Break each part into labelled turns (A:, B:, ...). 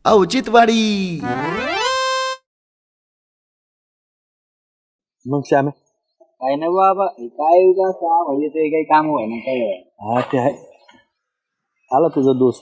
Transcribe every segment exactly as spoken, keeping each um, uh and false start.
A: औचित्यवाडी.
B: मग श्यामे
C: काय नाही बाबा काय उगा म्हणजे ते काही काम होय ना काय
B: हा ते आहे. आला तुझा दोस्त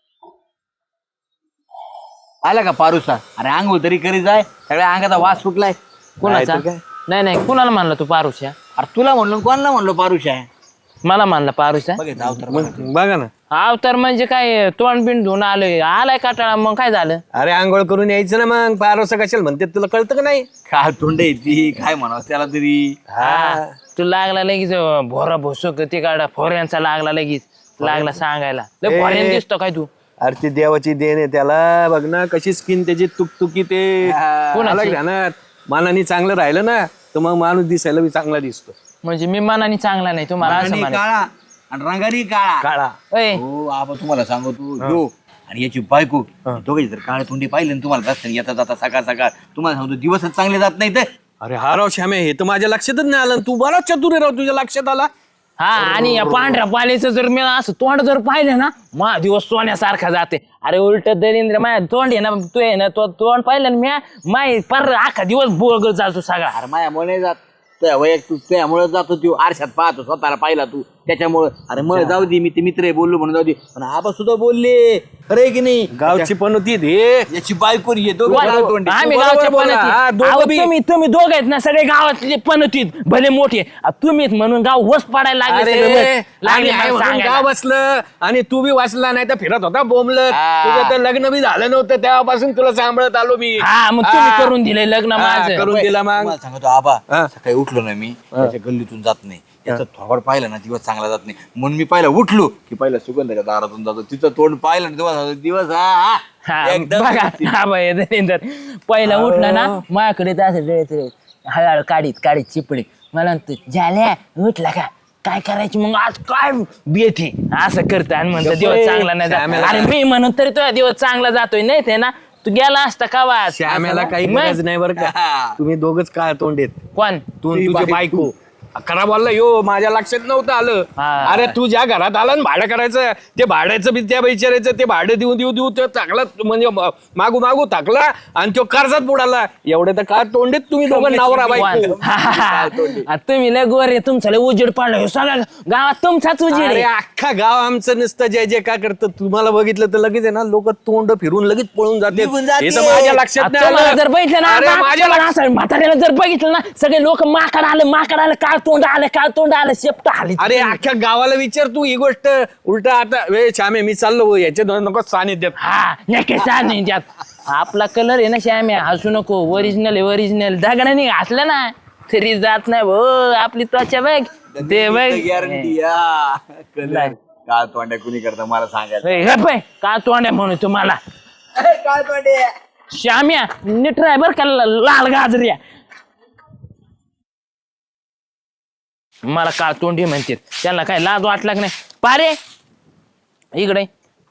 C: आला का पारुसा? अरे आंघोळ तरी करी जाय, सगळ्या अंगाचा वास सुटलाय.
D: कोणाचा?
B: काय?
D: नाही नाही कुणाला मानला तू पारुशा?
C: अरे तुला म्हणलो कोणाला म्हणलो पारुशा?
D: मला मानला पारुशा.
C: बघ जाऊ तर
B: मग बघा ना.
D: हाव तर म्हणजे काय तोंड बिंड धुवून आलोय, आलाय काटाळा, मग काय झालं?
B: अरे आंघोळ करून यायचं ना, मग पारोसा कशाला म्हणते तुला कळतं का नाही?
C: काय तोंड येते काय म्हणावं त्याला तरी.
D: हा तू लागला लगेच भोरा भोसक ते काढा फोऱ्यांचा लागला लगेच लागला सांगायला. लय फोऱ्यान दिसतो काय तू?
B: अरे ती देवाची देण आहे त्याला. बघ ना कशी स्किन त्याची तुकतुकी ते.
D: कोणाची?
B: ध्यानात मानाने चांगलं राहिलं ना तर मग माणूस दिसायला बी चांगला दिसतो.
D: म्हणजे मी मनाने चांगला नाही तुम्हाला असं
C: रंगानी
D: म्हणा?
C: काळा आणि रंगानी काळा.
B: काळा
D: ओय
C: हो आबा तुम्हाला सांगू तू यो आणि याची बायको दोघे जर काळे तोंडी पाहिले ना तुम्हाला रस्त्याने येता जाता सकाळ सकाळ तुम्हाला सांगतो दिवसच चांगले जात नाही तर.
B: अरे हा राव श्यामे, हे तर माझ्या लक्षातच नाही आलं. तू बराच चतुर आहे राव, तुझ्या लक्षात आला.
D: हा आणि या पांढऱ्या पाल्याचं जर मी असं तोंड जर पाहिलं ना मा दिवस सोन्यासारखा जाते. अरे उलट दलिंद्र माझ्या तोंड आहे ना, तू आहे ना तो तोंड पाहिलं ना म्या माय पर अख्खा दिवस बोगळ जातो सगळा.
C: अरे मायामुळे नाही जात त्या वैयक्तिक त्यामुळे जातो तू आरशात पाहतो स्वतःला पाहिला तू त्याच्यामुळे. अरे मग जाऊ दे, मी ते मित्र आहे बोललो म्हणून जाऊ दे, पण आबा सुद्धा बोलले खरंय की नाही.
B: गावची पण होती हे.
C: याची बायको येतो
D: आम्ही गावच्या पणतीत. अहो, तुम्ही तुम्ही दोघ आहेत ना सगळे गावातले पणतीत भले मोठे. तुम्ही म्हणून गाव वस पडायला लागले सगळे.
B: अरे
D: लागले
B: आणि आहे
D: मला
B: म्हणून
D: सांगायला.
B: गाव बसलं आणि तू बी वाचला नाही तर फिरत होता बोंबलत.
D: हा.
B: तुझं तर लग्न बी झालं नव्हतं तेव्हापासून तुला सांभाळत आलो मी.
D: हा मग तुम्ही
B: हा.
D: करून दिले लग्न
B: हा,
D: माझं.
B: करून दिला मग.
C: तुम्हाला सांगतो आबा
B: हा.
C: सकाळी उठलो ना मी त्याच्या गल्लीतून जात नाही, त्याचं थोबड पाहिलं ना दिवस चांगला जात नाही. म्हणून मी पहिला उठलो की पहिला सुगंधाच्या दारातून जातो, तिचं तोंड पाहिलं ना तेव्हा सांगतो, दिवस हा
D: हा,
C: हा एकदम
D: बघा हा बाई दलिंदर पहिला उठला ना माझ्याकडे तर असं डोळे डोळे हळूहळू काढीत काढीत चिपडे मला म्हणतो झाल्या उठला का काय करायची मग आज काय बेथे असं करतं आणि म्हणतो दिवस चांगला नाही जात. अरे मी म्हणून तरी तुझा दिवस चांगला जातोय नाही ते ना तू गेला असता का वाज
B: श्यामेला काही
D: मग?
B: गरज नाही बरं का. तुम्ही दोघच काय तोंड येत
D: कोण
B: तू आणि तुझी बायको. खरा बोलला यो माझ्या लक्षात नव्हतं आलं.
D: हा.
B: अरे तू ज्या घरात आला ना भाडं करायचं ते भाड्याचं बी त्या विचारायचं ते भाडं देऊ देऊ देऊ ते टाकला म्हणजे मागू मागू टाकला आणि तो कर्जात बुडाला. एवढे तर काय तोंडेत तुम्ही दोघं नवरा बायको.
D: हा, हा, हा. तुम्ही लय गोरे तुमचं लय उजेड पाडलं हे सगळ्या गावात तुमचाच उजेड
B: अरे
D: आहे.
B: अख्खा गाव आमचं नुसतं जय जय काय करतं. तुम्हाला बघितलं तर लगेच आहे ना लोक तोंड फिरून लगेच पळून जाते.
C: निघून जाते.
B: हे तर माझ्या लक्षात नाही
D: तुम्हाला
B: आलं.
D: जर बघितलं ना
B: अरे
D: आता,
B: माझ्या
D: तुम्हाला असं म्हाताऱ्याला जर बघितलं ना सगळे लोक माकड आलं माकड आलं काळ तोंड आलं काळ तोंड आलं शेपट आली.
B: अरे अख्ख्या गावाला विचार तू ही गोष्ट. उलट आता वे श्यामे मी चाललो याच्या दोन नको सानिध्यात.
D: हा नक्की नाही त्यात आपला कलर आहे ना श्याम्या हसू नको. ओरिजिनल आहे ओरिजिनल. दगडाने घातलं ना तरी जात नाही भो आपली त्वचा बघ ते बघ.
C: गॅरंटी काळ तोंड्या कुणी करता मला सांगायला.
D: हे हे पाय का तोंड आहे म्हणून तुम्हाला
C: काळ तोंड्या
D: श्याम्या नीट राय बर का लाल गाजऱ्या. मला काळ तोंडी म्हणतात त्यांना काय लाज वाटला की नाही. पारे इकडे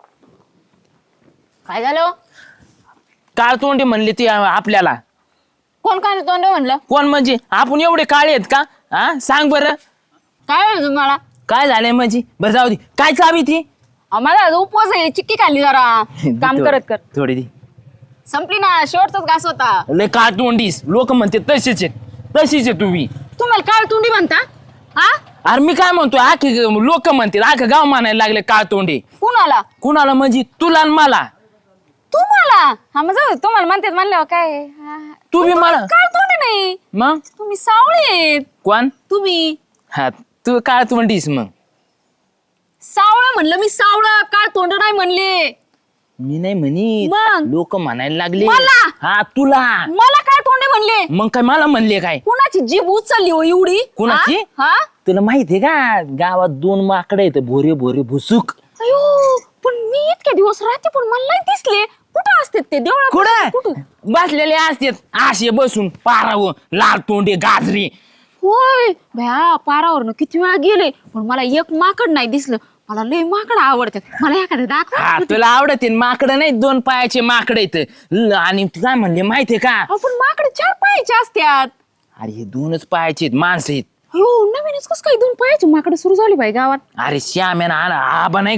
E: काय झालं?
D: काळ तोंडी म्हणली ती आपल्याला.
E: कोण काय तोंड म्हणलं?
D: कोण म्हणजे आपण एवढे काळे आहेत का? हा सांग बरं
E: काय म्हणलं तुम्हाला?
D: काय झालंय म्हणजे. बरं जाऊ दे काय चावी ती
E: आम्हाला आज उपवास आहे, चिक्की खाल्ली जरा काम करत कर.
D: थोडी दी
E: संपली ना, शेवटचाच घास होता.
D: लय काळ तोंडीस लोक म्हणते तशीच आहे तशीच आहे तुम्ही.
E: तुम्हाला काय तोंडी म्हणता? हा
D: अरे मी काय म्हणतोय आखे लोक म्हणते आखं गाव मानायला लागले काळ तोंडी.
E: कुणाला?
D: कुणाला म्हणजे तुला आणि मला.
E: तुम्हाला? हा मग जाऊ दे, तुम्हाला म्हणतात म्हणल्यावर काय. हा,
D: तू बी मला
E: काय तोंडी नाही,
D: मग
E: तुम्ही सावळे आहेत.
D: कोण
E: तुम्ही
D: हा तू काळ तोंडीस मग.
E: सावळं म्हणलं मी, सावळं काळ तोंड नाही म्हणले
D: मी नाही म्हणी
E: मग?
D: लोक म्हणायला लागले.
E: मला?
D: हा तुला.
E: मला काय तोंडे म्हणले?
D: मग काय मला म्हणले काय.
E: कुणाची जीभ उचलली हो एवढी?
D: कुणाची?
E: हा हा?
D: तुला माहितीये का गावात दोन माकडे आहेत भोरे भोरे भुसुक.
E: अयो पण मी इतके दिवस राहते पण मला नाही दिसले. कुठं असतात ते देवळात?
D: कुठं
E: कुठं?
D: बसलेले असतात आशे बसून पारावर लाल तोंडे गाजरे.
E: होय भया पारावरनं किती वेळा गेले पण मला एक माकड नाही दिसलं. मला लय माकड आवडतात. मला एखादं
D: हा
E: दाखवा.
D: तुला आवडते माकडं नाही दोन पायाचे माकडे आहेत. आणि तू काय म्हणले माहितीये का.
E: पण माकड चार पायाचे असतात.
D: अरे हे दोनच पायाचे आहेत माणसं आहेत.
E: हो नवीनच कसं काय दोन पायाचे माकड सुरू झाली बाई गावात.
D: अरे श्याम्यानं आला आबा नाही का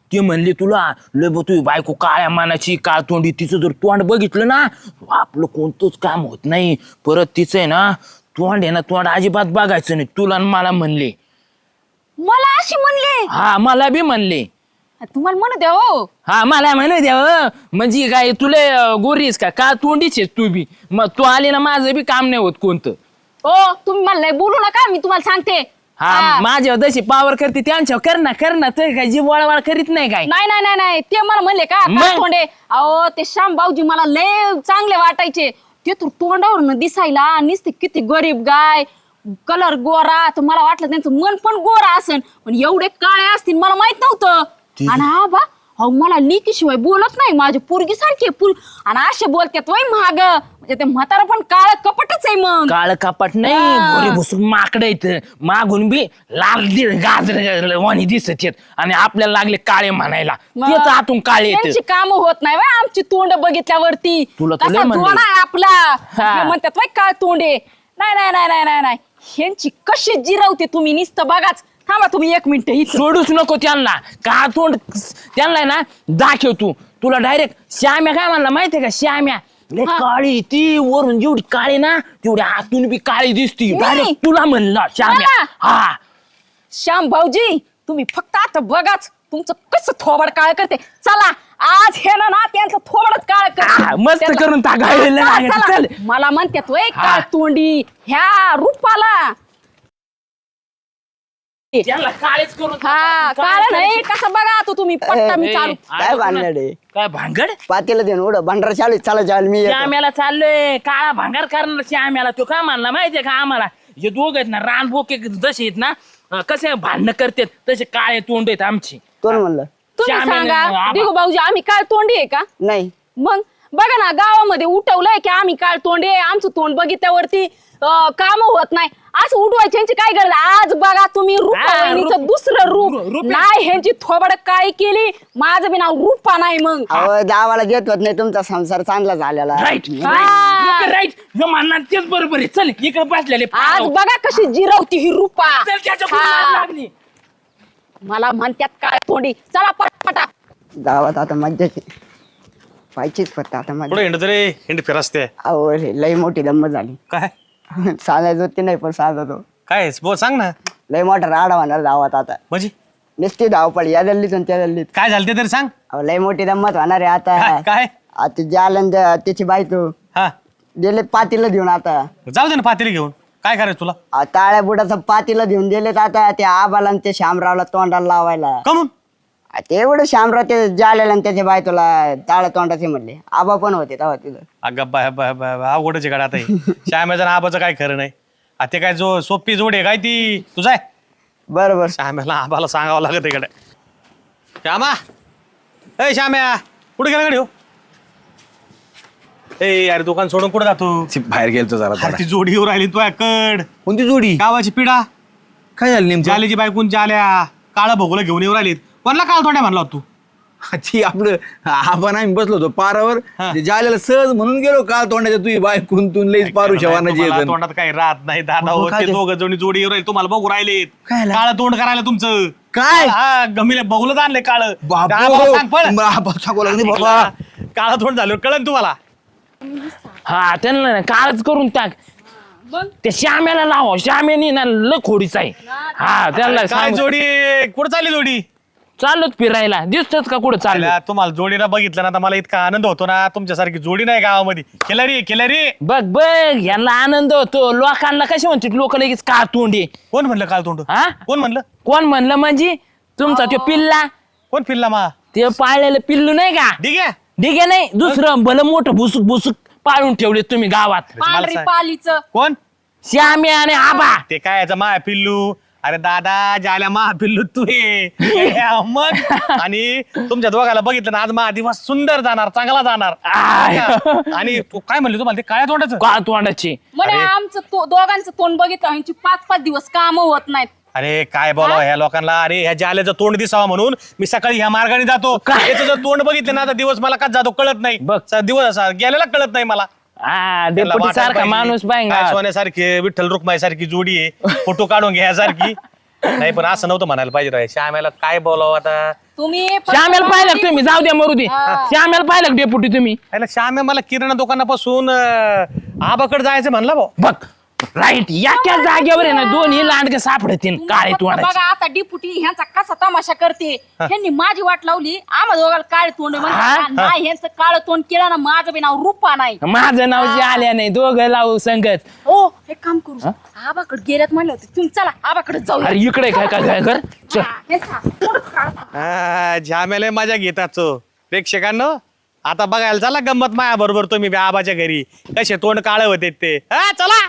D: ते म्हणले तुला लय बा तुझी बायको काळ्या मानाची काळ तोंडी, तिचं जर तोंड बघितलं ना आपलं कोणतंच काम होत नाही. परत तिचं आहे ना तोंड आहे ना तोंड अजिबात बघायचं नाही. तुला आणि मला म्हणले.
E: मला अशी म्हणले?
D: हा मला बी म्हणले.
E: तुम्हाला म्हणू द्या हो.
D: हा मला म्हणू द्या हो. म्हणजे काय तुला गोरीस का का तोंडीच आहेस तू बी. मग तू आली ना माझं बी काम नाही होत कोणतं.
E: हो तुम्ही मला लय बोलू नका, मी तुम्हाला सांगते.
D: हा माझ्यावर जशी पावर करते त्यांच्यावर कर ना कर ना. तर काय जी वळवळ करीत नाही काय.
E: नाही नाही नाही नाही ते मला म्हणले का
D: मग?
E: काय तोंडे? अहो ते श्याम भाऊजी मला लय चांगले वाटायचे. ते तर तोंडावर दिसायला नुसते किती गरीब गाय, कलर गोरा, तर मला वाटलं त्यांचं मन पण गोरा असन, पण एवढे काळे असतील मला माहित नव्हतं. आणि हा बा अहो मला लिकीशिवाय बोलत नाही, माझी पोरगी सारखी पुर आणि असे बोलतात वय महाग, म्हणजे ते म्हातारा पण काळ कपटच आहे. मग
D: काळ कपाट नाही गोरी भुसून माकड येत मागून बी लाल गाजर वाणी दिसत येत आणि आपल्याला लागले काळे म्हणायला. तेच आतून काळे येत.
E: त्यांची काम होत नाही वय आमची तोंड बघितल्यावरती.
D: तुला तर लय
E: कसा
D: म्हणले.
E: जोड आहे आपला.
D: हा.
E: हे म्हणतात वय काळ तोंडे. नाही नाही नाही नाही नाही नाही ह्यांची कशी जिरवते तुम्ही नुसतं बघाच. थांबा तुम्ही एक मिनिट इथं.
D: सोडूच नको त्यांना. का तोंड त्यांना ना दाखव तू. तुला डायरेक्ट श्याम्या काय म्हणला माहितीये का? श्याम्या लय काळी ती, वरून जेवढी काळी ना तेवढी आतून बी काळी दिसती. डायरेक्ट तुला म्हणला श्याम्या.
E: मला?
D: हा
E: श्याम भाऊजी तुम्ही फक्त आता बघाच तुमचं कसं थोबड काळ करते. चला आज हे ना ना त्यांचं थोबडच काळ
D: हा,
E: करते.
D: मस्त
E: त्यांना-
D: करून टाकायला
E: चला,
D: लागेल.
E: चला.
D: चल.
E: मला म्हणतात वय
D: हा.
E: काळ तोंडी ह्या रूपाला.
D: त्यांना काळेच करून
E: हा
D: टाकायचं.
E: काळ नाही कसं बघा तो तुम्ही पट्टा मी
D: ए,
E: चालू.
A: काय भानगड आहे?
D: काय भांगड?
A: पातेला देऊन उड भांडारा चालू चला चाल मी येतो.
D: श्याम्याला चाललोय काळा भांगार करणार. श्याम्याला तो काय म्हणला माहितीये का आम्हाला? हे दोघ आहेत ना रान बोके जसे आहेत ना अं, कसे भांडणं करतात तसे काळे तोंड आहेत आमची.
A: कोण म्हणलं?
E: तुम्ही
D: श्याम्याने-
E: सांगा
D: आबा.
E: दिगू भाऊजी आम्ही काळ तोंडी आहे का?
A: नाही
E: मग बघा ना गावामध्ये उठवलंय की आम्ही काळ तोंडी आहे, आमचं तोंड बघितल्यावरती काम होत नाही असं उठवायची ह्यांची काय गरज? आज बघा तुम्ही रूपावहिनीचं
D: रूप-
E: दुसरं रूप
D: रूप- रूप-
E: नाही ह्यांची थोबड काळी केली. माझं बी नाव रूपा नाही. मग
A: अहो गावाला देत होत नाही तुमचा संसार चांगला झालेला.
D: राईट
E: हा.
D: राईट म्हणणार तेच बरोबर आहे. चल इकडे बसलेले
E: आज बघा कशी जिरवती ही रूपा.
D: चल, त्याच्या पुढे
E: हा.
D: लागली.
E: मला म्हणतात काय तोंडी. चला पटपटा.
A: गावात आता मज्जाची पाहिजेच फक्त आता
F: पुढे
A: मजा.
F: हिंड तरी हिंड फिरसते
A: अहो रे लई मोठी दम्म झाली.
F: काय
A: सांगायचं होती नाही पण सांगतो.
F: काय बोल सांग ना.
A: लई मोठा राडा होणार गावात आता.
F: म्हणजे
A: नुसती धावपळ या गल्लीत आणि त्या गल्लीत.
F: काय झालं ते तरी सांग.
A: अहो लई मोठी दम्मत होणार आहे
F: काय
A: आता.
F: काय
A: आता जालन त्याची बायको
F: हा
A: गेले पातीला देऊन आता.
F: जाऊ दे ना पातेली घेऊन. काय करायचं तुला
A: अहो, ताळ्या बुडाचं पातीला देऊन दिलेत आता त्या आबाला आणि ते शामरावला तोंडाला लावायला.
F: कमून
A: आ, ते एवढं शामराव ते जालेला आणि त्याच्या बाय तुला ताळ्या तोंडाचे म्हणले. आबा पण होते तेव्हा तिथं.
F: अगं बाय बाय बाय अवघडच गाडा आता हे. श्याम्याचं आणि आबाचं काय खरं नाही. आ ते काय जो सोपी जोड आहे काय ती तुझा आहे.
A: बरोबर.
F: श्याम्याला आबाला सांगावं लागत इकडे. श्यामा ए श्याम्या कुठे गेला गाडी हो. ए अरे दुकान सोडून कुठे जातो.
B: बाहेर गेलतो जरा
F: अरे ती जोडी येऊ राहिली तू कड
B: कोणती जोडी?
F: गावाची पिढा
B: काय झालं नेमकं?
F: जालेची बायकून जाल्या काळा भोगला घेऊन येऊ राहिलीत. कोणला काळ थोड्या म्हणला होता तू.
B: ती आपलं आपण आम्ही बसलो होतो पारावर
F: हा.
B: ते जायला सहज म्हणून गेलो काल तोंडाच्या तुझी बायकून तू लईच पारू शवानाची
F: तुम्हाला
B: येतं.
F: तोंडात काही राहत नाही दादा
B: मग
F: हो.
B: काय
F: ते
B: ते?
F: दोघं जणी जोडी येऊ राहिले तुम्हाला बघू राहिलेत.
B: काय झालं?
F: काळं तोंड करायला तुमचं.
B: काय?
F: हा गमीले बघूलच आणले काळ.
B: बाबा
F: सांग पळ.
B: सांगू लागली बाबा.
F: काळा तोंड झालं कळन तुम्हाला.
D: हा त्यांना ना काळच करून टाक. त्या श्याम्याला लावा. श्याम्याने ना लय खोडीच आहे. हा त्यांना
F: काय
D: सांग.
F: जोडी कुठं चालली जोडी.
D: चाललोच फिरायला. दिसतच का कुठं चाललं?
F: आयला, तुम्हाला जोडीला बघितलं ना तर मला इतका आनंद होतो ना. तुमच्यासारखी जोडी नाही गावामध्ये. खिलारी खिलारी.
D: बघ बघ यांना आनंद होतो. लोकांना कसे म्हणतात लोक लगेच का तोंडे.
F: कोण म्हणलं काळ तोंड.
D: हा
F: कोण म्हणलं.
D: कोण म्हणलं म्हणजे तुमचा तो पिल्ला
F: कोण फिरला मा.
D: ते पाळलेलं पिल्लू नाही का?
F: ठीक आहे.
D: ठीक आहे नाही दुसरं भलं मोठं भुसुक भुसुक पाळून ठेवले तुम्ही गावात.
E: पांढरी
F: सांग.
E: पालीचं
F: कोण
D: श्याम्या आणि आबा.
F: ते काय याचं मा पिल्लू. अरे दादा ज्याला मा पिल्लू तू हे. मग आणि तुमच्या दोघाला बघितलं ना आज मा दिवस सुंदर जाणार चांगला जाणार.
D: आय.
F: आणि तू काय म्हणली तुम्हाला ते काळ्या तोंडाचं.
D: का तोंडाची.
E: म्हणे आमचं तो- दोघांचं तोंड बघितलं ह्यांची पाच पाच दिवस काम होत नाहीत.
F: अरे काय बोलावं ह्या लोकांना. अरे ह्या जाल्याचं तोंड दिसावं म्हणून मी सकाळी ह्या मार्गाने जातो.
D: काय?
F: याचं जर तोंड बघितलं ना तर दिवस मला का जातो कळत नाही.
D: बघ.
F: स- दिवस असा गेलेला कळत नाही मला.
D: हा
F: त्याला
D: डेपुटी
F: वाटायला
D: सारखा
F: पाहिजे.
D: माणूस
F: काय
D: पाहिजे.
F: सोन्यासारखी विठ्ठल रुक्माई सारखी जोडी आहे. फोटो काढून घ्यासारखी. नाही पण असं नव्हतं म्हणायला पाहिजे राव. श्यामेला काय बोलावं आता.
E: तुम्ही
D: श्यामेला पाहिलं का तुम्ही जाऊ द्या मरू दे श्यामेला पाहिलं का डेपुटी तुम्ही
F: याला श्यामे मला किराणा दुकानापासून अं, आबाकडे जायचं म्हणला भाऊ.
D: बघ राईट याच्या जागेवर आहे ना दोन्ही लांडगे सापडतील काळे
E: फक्त
D: तोंडाचे
E: बघा आता डिपुटी ह्यांचा कसा तमाशा करते ह्यांनी माझी वाट लावली आम्हा दोघाला काळे तोंड म्हणतात. नाही ह्यांचं काळं तोंड केलं ना माझं बी नाव रूपा नाही.
D: माझं नाव जे आल्या नाही दोघं लावू संगत
E: हो एक काम करू आबाकडे गेल्यात म्हणलं होतं तुम्ही चला आबाकडे जाऊ
D: अरे इकडे काय काय काय कर चल.
F: हा, श्यामेला मजा घेतात तो. प्रेक्षकांनो आता बघायला चला गंमत माया बरोबर तुम्ही बी आबाच्या घरी कसे तोंड काळे होते ते. हा चला.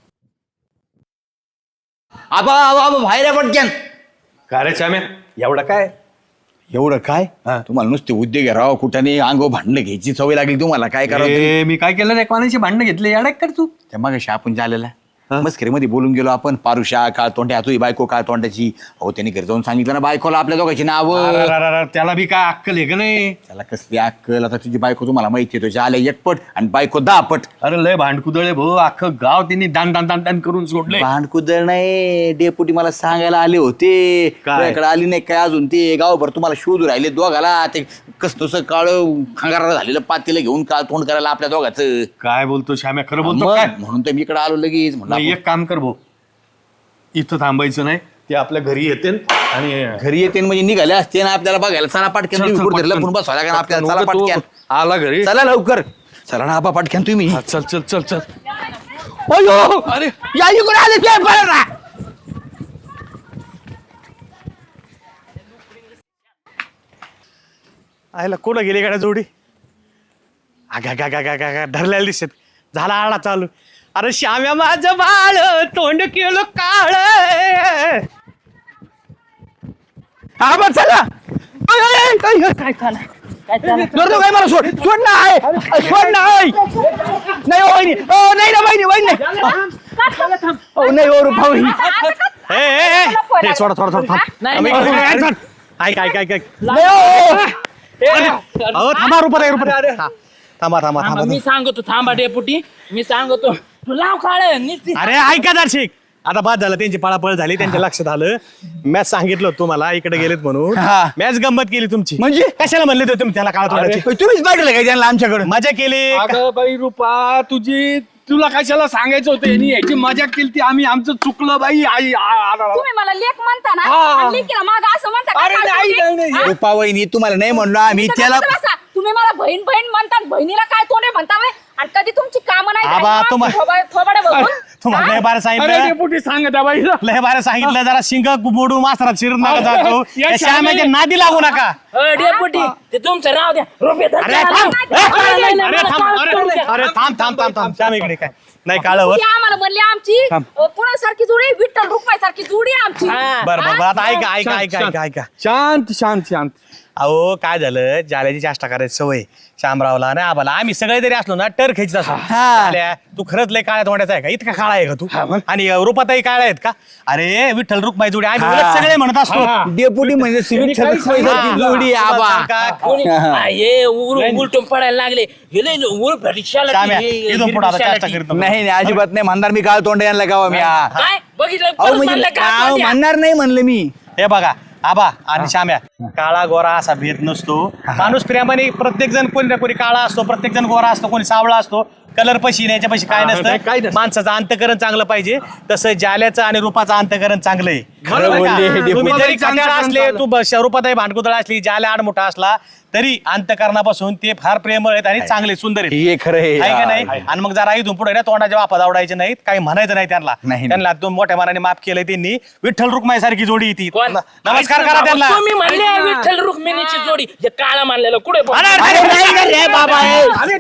C: आबा आबा आबा बाहेर आहे पटक्यान.
B: का रे श्याम्या एवढं काय
C: एवढं काय तुम्हाला नुसते उद्योग आहे राव कुठाने अंगो भांडणं घ्यायची सवय लागली तुम्हाला काय करावं तरी?
B: ए, मी काय केलं रे कोणाशी भांडणं घेतले अडक कर तू
C: त्या मागाशी आपण झालेला मस्करीमध्ये बोलून गेलो आपण पारुषा काळ तोंड्या तुझी बायको काळ तोंड्याची अहो त्यांनी घरी जाऊन सांगितलं ना बायकोला आपल्या दोघांची नाव
B: अररररर, त्याला बी काय अक्कल आहे का नाही
C: त्याला कसली अक्कल आता तुझी बायको तुम्हाला माहिती आहे तुझ्या आल्या एकपट आणि बायको दहापट
B: अरे लय भांडकुदळे भाऊ अख्खं गाव त्यांनी दान दान दान दान करून सोडले
C: भांडकुदळ नाही डेपुटी मला सांगायला आले होते
B: काय?
C: तुझ्याकडे आली नाही काय अजून ते गावभर तुम्हाला शोध राहिले दोघाला ते कसं काळ खंगारा झालेलं पातेलं घेऊन काळ तोंड करायला आपल्या दोघाचं
B: काय बोलतो श्याम्या खरं बोलतो
C: मग
B: काय
C: म्हणून तर मी इकडे आलो लगेच म्हणलं
B: नाही, एक काम कर भाऊ इथं थांबायचं नाही ते आपल्या घरी येते आणि
C: घरी येते म्हणजे निघाले असते ना आपल्याला बघायला चला पाटक्यान
B: चल,
C: तुम्ही
B: चल,
C: कुठे
B: पटकन.
C: लपून बसवा लागेल आपल्याला चला
B: नको तो
C: पाटक्यान
B: आला घरी
C: चला लवकर चला ना आपा पाटक्यान तुम्ही
B: हा, चल चल चल चल
C: अयो
B: अरे
C: या इकडे आले ते बरं ना.
F: आयला कुठं गेली गाड्या जोडी आगा गा गा गा गा गा धरलेला दिसत झाला आळा चालू. अरे श्याम्या माझं बाळ तोंड केलं काळ.
C: हा बघ चला अय, अय, अय, अय, अय.
D: काय झालं काय झालं
C: जोरदार काय मला सोड सोड ना आहे सोड ना आहे नाही हो वहिनी ओ नाही ना वहिनी वहिनी नाही ओ नाही हो रुपा वहिनी
F: ए, ए, ए, ए, सोडा सोडा सोडा थांब.
D: नाही,
F: आम्ही-
D: नाही,
F: आम्ही-
D: नाही.
F: आम्ही- ऐक ऐक ऐक ऐक
C: नाही हो.
F: अहो थांबा रुपये रुपये थांबा थांबा थांबा
D: थांबा,
F: थांबा
D: मी सांगतो थांबा डेपुटी मी सांगतो तू लाव काळ नुसती
F: अरे ऐका दर्शिक आता बाद झालं त्यांची पळापळ झाली त्यांच्या लक्षात आलं मॅच सांगितलं होतं तुम्हाला इकडे गेलेत म्हणून
C: हा.
F: मॅच गंमत केली तुमची
C: म्हणजे?
F: कशाला म्हणले होते तुम्ही त्याला काळ तोंडाची
C: तुम्हीच पाठवलं काय त्यांना आमच्याकडे
F: मजा केली
B: अगं बाई रुपा तुझी तुला कशाला सांगायचं होतं यांनी याची मजा केली ती आम्ही आमचं चुकलं बाई आई आ- आ- आ-
E: तुम्ही मला लेख म्हणता ना
B: हा.
E: आणि लेकीला माग असं म्हणता का?
B: अरे
E: काय
B: नाही,
E: तुम्ही?
B: नाही, नाही.
E: हा?
C: रुपा वहिनी तुम्हाला नाही म्हणलो आम्ही
E: तुम्ही
C: त्याला
E: कसं बसा? तुम्ही मला बहीण बहीण म्हणता बहिणीला काय तोंडे म्हणता व्हय? आणि कधी तुमची कामं नाही
F: आबा,
E: झाली ना,
F: तुम्हा-
E: थोबा- थोबाडे बघून?
F: तुम्हाला लय बार
B: अरे
F: सांगितलं
B: डेपुटी सांग त्या बाईला
F: लय बार सांगितलं जरा शिंग मोडून मास्तरात शिरत नका
B: अरे,
F: जातो
B: या
F: त्या श्यामाच्या
B: श्यामे-
F: नादी लागू नका
D: अ, डेपुटी ते तुमचं राव द्या रुपये धर
F: अरे
D: त्याला.
F: थांब
D: नाही,
F: ए,
D: नाही, नाही,
F: अरे
D: मला
F: थांब
D: काळ
F: अरे
D: तोंड द्या.
F: अरे थांब थांब थांब थांब श्याम इकडे काय नाही काळवत
E: ती आम्हाला म्हणली आमची पुण्यासारखी जोडी विठ्ठल रुक्माईसारखी जोडी आहे आमची
D: हा.
F: बरं बरं बरं, आता ऐका ऐका ऐका ऐका ऐका
B: शांत शांत शांत
F: अहो काय झालं जाल्याची चाष्टा करायची सवय शामरावला नाही आम्हाला आम्ही सगळे जरी असलो ना टर खेचत असतो जाल्या, तू खरंच लय काळ्या तोंडाचा आहे का इतका काळा आहे का तू आणि रूपाताई काळ्या आहेत का अरे विठ्ठल रुक्माई जोडी आम्ही उलट सगळे म्हणत असतो
C: डेपुटी म्हणजे सिविल सर्व्हिस जोडी आहे, आबा
F: का-
D: कोणी- हा, हे उल- उलटून पडायला लागले हे लय उल रिक्षाला
F: श्याम्या,
D: हे-
F: इथून पुढे आता
D: रिक्षाला
F: चाष्टा
D: ती.
F: करीत नको.
C: नाही नाही अजिबात नाही म्हणणार मी काळ तोंड यांना गावा मी हा.
D: काय बघितलं
C: अहो
D: परत
C: म्हणजे
D: म्हणलं का
C: अहो,
D: आपण द्या.
C: म्हणणार नाही म्हणलं मी
F: हे बघा आबा आणि श्याम्या काळा गोरा असा भेद नसतो माणूस प्रेमाने प्रत्येक जण कोणी ना कोणी काळा असतो प्रत्येक जण गोरा असतो कोणी सावळा असतो कलर पशी याच्या पशी काय
B: नाही, काय
F: नसतं
B: नसतं.
F: माणसाचं अंतकरण चांगलं पाहिजे तसं जाल्याचं आणि रूपाचं अंतकरण चांगलं आहे
C: खरं
F: बरं का?
C: बोलले हे डेपुटी.
F: तुम्ही जरी
B: रूपाबाईचं
F: खट्याळ असले
B: अंतकरण
F: तू बस- रूपाताई भांडकुदळ असली जाल्या आडमोठा असला तरी अंतकरणापासून ते फार प्रेमळ आहेत आणि चांगले सुंदर आहेत
C: हे खरं आहे.
F: आहे का नाही आणि मग जरा इथून पुढे ना तोंडाच्या वापा आवडायचे नाहीत काही म्हणायचं नाही त्यांना
C: नाही.
F: त्यांना दोन मोठ्या मनाने माफ केलंय त्यांनी विठ्ठल रुक्माई सारखी जोडी आहे ती
D: कोण?
F: नमस्कार करा त्यांना
D: तुम्ही म्हणले विठ्ठल रुक्मिणीची जोडी हे काळा मानलेलं कुठे पण?
F: अरे, अरे,
C: अरे
F: अरे,
C: नाही ना रे बाबा हे.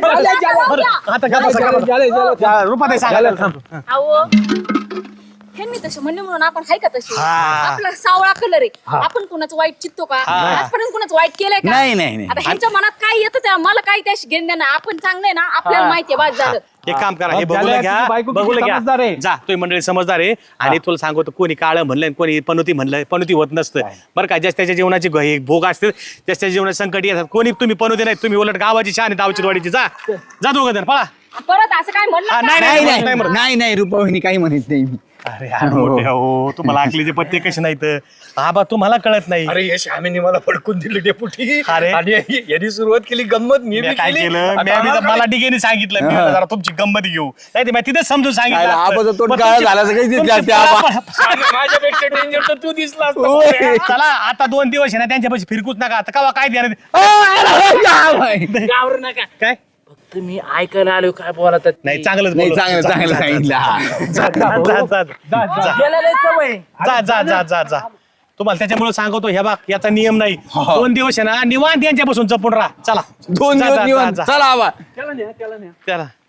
F: आता का बसा, का बसा. रुपाताई सांगा
E: अहो ह्यांनी तसे म्हणले म्हणून आपण हाय का तसे आपला सावळा कलर आहे आपण कुणाचं वाईट चित्तो का आजपर्यंत कुणाचं वाईट केलंय का
C: नाही, नाही, नाही.
E: आता ह्यांच्या मनात काय येतं त्या मला काही त्याशी घेणं नाही आपण चांगलंय ना आपल्याला माहितीये बाद झालं
F: एक काम करा हे
B: अब
F: बघूला
B: झाल्या
F: घ्या
B: तुझी बायको किती
F: बघूला
B: समजदार
F: घ्या
B: आहे.
F: जा तुम्ही मंडळी समजदार आहे आणि तुला सांगतो कोणी काळं म्हणलं आणि कोणी पनुती म्हणलं पनुती होत नसतं बरं का ज्याच्या त्याच्या जीवनाची ग- हे भोग असते ज्याच्या त्याच्या जीवनात संकट येतात कोणी तुम्ही पनुती नाही तुम्ही उलट गावाची छान आहे दावची वाडीची जा जा दोघं जण पळा
E: परत असं काय म्हणलं
F: हा,
E: का?
F: नाही,
C: नाही
F: नाही,
C: नाही
F: म्हणत.
C: नाही नाही रुपा वहिनी काही म्हणत नाही मी
F: अरे यार मोठे हो तुम्हाला आकलीचे पत्ते कसे नाहीत आबा तुम्हाला कळत नाही.
B: अरे यश आम्ही मला फडकून दिलं डेपुटी.
F: अरे.
B: आणि यांनी सुरुवात केली गंमत मी
F: मी
B: बी
F: काय
B: केली.
F: केलं
B: आता
F: मी आम्ही तर-
B: आम्हाला
F: मला डिगेने सांगितलं मी म्हणलं जरा तुमची गंमत घेऊ नाही ते मी तिथेच समजून
C: काय
F: सांगितलं
C: आबाचं
F: असतं.
C: तोंड
F: पण
C: काळं
F: तुमची-
C: झालं असं काही
F: तुमची
C: दिसलं ते आबा.
F: पळापळ-
B: आणि माझ्यापेक्षा डेंजर तर तू दिसला असता.
F: चला आता दोन दिवस आहे ना त्यांच्यापाशी फिरकूच नका आता कवा काय देणार
D: गावर नका
F: काय
D: फक्त मी ऐकायला आलो काय बोलत
F: नाही चांगलंच
C: नाही
F: बोललो.
C: चांगलं चांगलं सांगितलं हा.
F: जा, जा, जा, जा, जा, जा.
D: सवय
F: जा जा जा जा जा तुम्हाला त्याच्यामुळे सांगतो ह्या बाग याचा नियम नाही दोन दिवस आहे ना निवांत यांच्यापासून जपून राहा चला
C: दोन
F: जा,
C: दिवस
F: जा,
C: निवांत
F: जा, जा.
C: चला आबा
F: चला